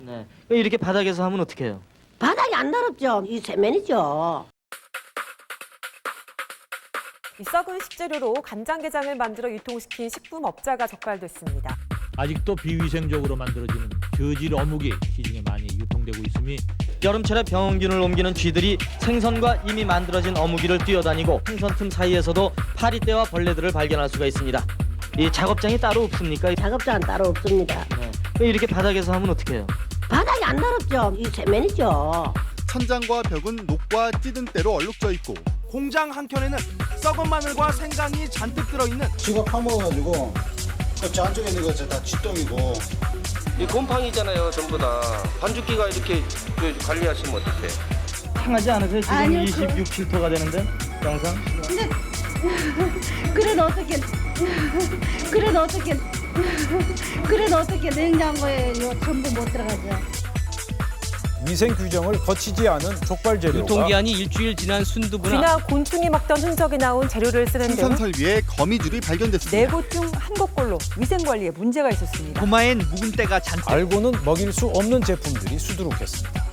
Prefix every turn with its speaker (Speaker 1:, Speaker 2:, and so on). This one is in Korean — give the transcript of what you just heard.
Speaker 1: 네. 이렇게 바닥에서 하면 어떡해요?
Speaker 2: 바닥이 안 더럽죠. 이 세면이죠.
Speaker 3: 이 썩은 식재료로 간장게장을 만들어 유통시킨 식품업자가 적발됐습니다.
Speaker 4: 아직도 비위생적으로 만들어지는 저질 어묵이 시중에 많이 유통되고 있음이
Speaker 1: 여름철에 병균을 옮기는 쥐들이 생선과 이미 만들어진 어묵이를 뛰어다니고 생선 틈 사이에서도 파리떼와 벌레들을 발견할 수가 있습니다. 이 작업장이 따로 없습니까?
Speaker 2: 작업장은 따로 없습니다.
Speaker 1: 네. 이렇게 바닥에서 하면 어떡해요?
Speaker 2: 바닥이 안 더럽죠. 이 세면이죠.
Speaker 5: 천장과 벽은 녹과 찌든 때로 얼룩져 있고
Speaker 6: 공장 한켠에는 썩은 마늘과 생강이 잔뜩 들어있는
Speaker 7: 쥐가 파먹어가지고 저 안쪽에 있는 거 다 쥐똥이고.
Speaker 8: 이 곰팡이잖아요, 전부 다. 반죽기가 이렇게 관리하시면 어떡해?
Speaker 1: 상하지 않으세요? 지금
Speaker 2: 아니요,
Speaker 1: 26, 7토가 되는데 영상?
Speaker 2: 근데 그래도 어떻게 그래도 어떻게 냉장고에 전부 못 들어가죠.
Speaker 9: 위생 규정을 거치지 않은 족발 재료가
Speaker 10: 유통기한이 일주일 지난 순두부나
Speaker 3: 쥐나 곤충이 먹던 흔적이 나온 재료를 쓰는 등
Speaker 5: 생산 설비에 거미줄이 발견됐습니다.
Speaker 3: 4곳 중 한 곳꼴로 위생관리에 문제가 있었습니다.
Speaker 6: 고마엔 묵은 때가 잔뜩.
Speaker 9: 알고는 먹일 수 없는 제품들이 수두룩했습니다.